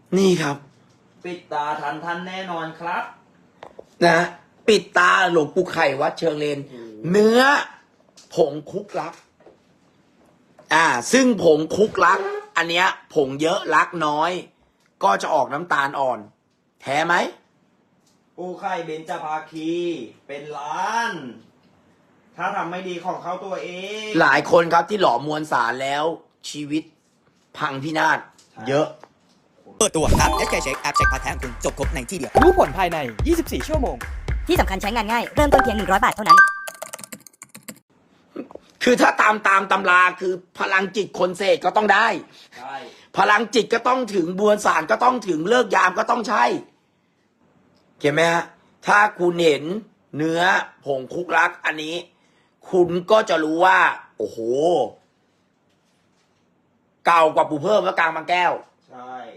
นี่ครับปิดตาทันท่านแน่นอนครับนะปิดตาหลวงปู่ไข่วัดเชิงเลน เนื้อผงคุกลัก ซึ่งผงคุกลัก อันเนี้ยผงเยอะลักน้อย ก็จะออกน้ำตาลอ่อน แท้ไหมปูไข่เบญจภาคีเป็นล้าน ถ้าทำไม่ดีของเขาตัวเองหลายคนครับที่หล่อมวลสารแล้วชีวิตพังพินาศเยอะเปิดตัวแอป SK Check แอปเช็คพาร์ทแท้ของคุณจบครบในที่เดียวรู้ผลภายใน 24 ชั่วโมงที่สำคัญใช้งานง่าย เริ่มต้นเพียง 100 บาทเท่านั้นคือถ้าตามตำราคือพลังจิตคนเสกก็ต้องได้ใช่พลังจิตก็ต้องถึงบวนสารก็ต้องถึงเลิกยามก็ต้องใช่เห็นไหมฮะถ้าคุณเห็นเนื้อผงคุกลัก อันนี้ คุณก็จะรู้ว่า โอ้โห เก่ากว่าปู่เพิ่มและกลางบางแก้วใช่